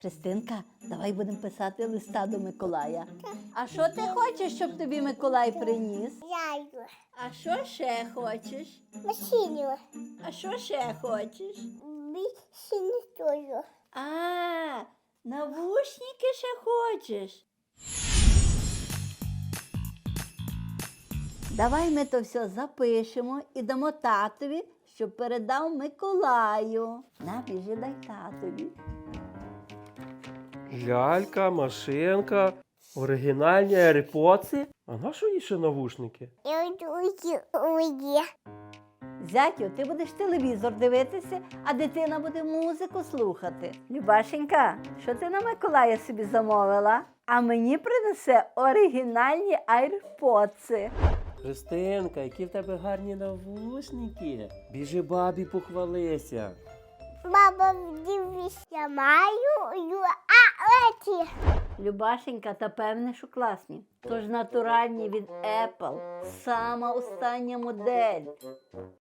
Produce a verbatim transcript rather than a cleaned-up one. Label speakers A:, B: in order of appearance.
A: Христинка, давай будемо писати листа до Миколая. А що ти хочеш, щоб тобі Миколай приніс?
B: Яйку.
A: А що ще хочеш?
B: Машину.
A: А що ще хочеш?
B: Машину тоже.
A: А, навушники ще хочеш? Давай ми то все запишемо і дамо татові, щоб передав Миколаю. На, біжи, дай татові.
C: Лялька, машинка, оригінальні AirPods. А на що їй ще навушники?
B: Я иду уйди.
A: Зятю, ти будеш телевізор дивитися, а дитина буде музику слухати. Любашенька, що ти на Миколая собі замовила? А мені принесе оригінальні айрподси.
C: Христинка, які в тебе гарні навушники. Біжи бабі похвалися.
B: Баба, дивися, маю, ю- а эти.
A: Любашенька, та певне, що класні. Тож натуральні від Apple. Сама остання модель.